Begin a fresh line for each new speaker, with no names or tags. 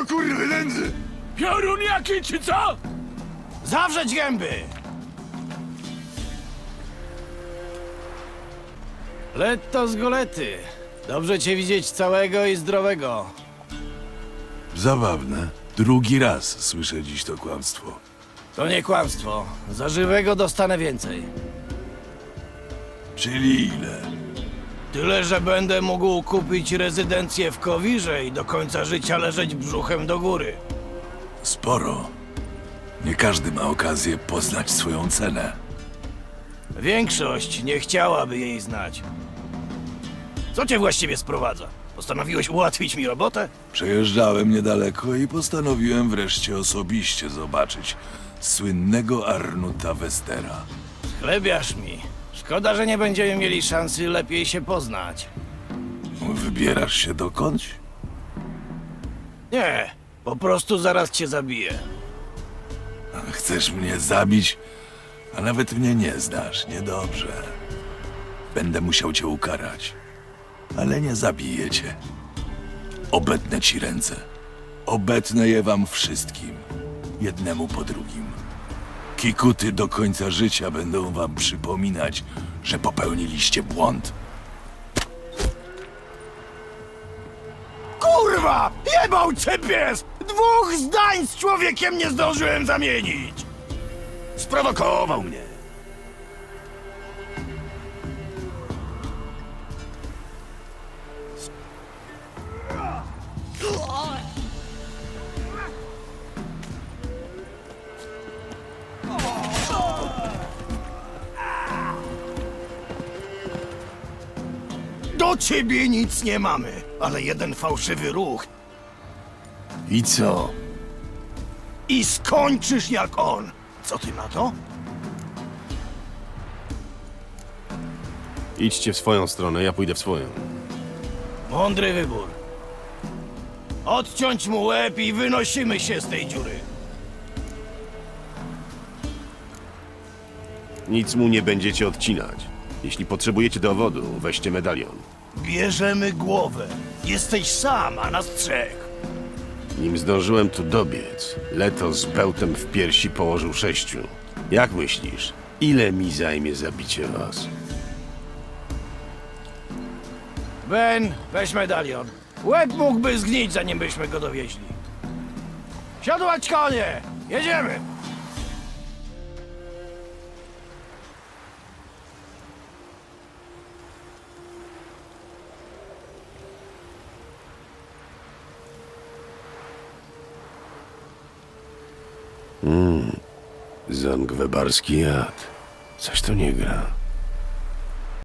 kurwy nędzy!
Piorun jaki, czy co?
Zawrzeć gęby! Letto z golety. Dobrze cię widzieć całego i zdrowego.
Zabawne. Drugi raz słyszę dziś to kłamstwo.
To nie kłamstwo. Za żywego dostanę więcej.
Czyli ile?
Tyle, że będę mógł kupić rezydencję w Kowirze i do końca życia leżeć brzuchem do góry.
Sporo. Nie każdy ma okazję poznać swoją cenę.
Większość nie chciałaby jej znać. Co cię właściwie sprowadza? Postanowiłeś ułatwić mi robotę?
Przejeżdżałem niedaleko i postanowiłem wreszcie osobiście zobaczyć słynnego Arnuta Westera.
Chlebiasz mi. Szkoda, że nie będziemy mieli szansy lepiej się poznać.
Wybierasz się dokądś?
Nie, po prostu zaraz cię zabiję.
Chcesz mnie zabić, a nawet mnie nie znasz. Niedobrze. Będę musiał cię ukarać, ale nie zabiję cię. Obetnę ci ręce. Obetnę je wam wszystkim, jednemu po drugim. Kikuty do końca życia będą wam przypominać, że popełniliście błąd.
Kurwa! Jebał cię pies! 2 zdań z człowiekiem nie zdążyłem zamienić!
Sprowokował mnie.
Do ciebie nic nie mamy, ale jeden fałszywy ruch
I co?
i skończysz jak on. Co ty na to?
Idźcie w swoją stronę, ja pójdę w swoją.
Mądry wybór. Odciąć mu łeb i wynosimy się z tej dziury.
Nic mu nie będziecie odcinać. Jeśli potrzebujecie dowodu, weźcie medalion.
Bierzemy głowę. Jesteś sam, a nas 3.
Nim zdążyłem tu dobiec, Leto z bełtem w piersi położył 6. Jak myślisz, ile mi zajmie zabicie was?
Ben, weź medalion. Łeb mógłby zgnić, zanim byśmy go dowieźli. Siadłać konie! Jedziemy!
Zangwebarski jad. Coś to nie gra.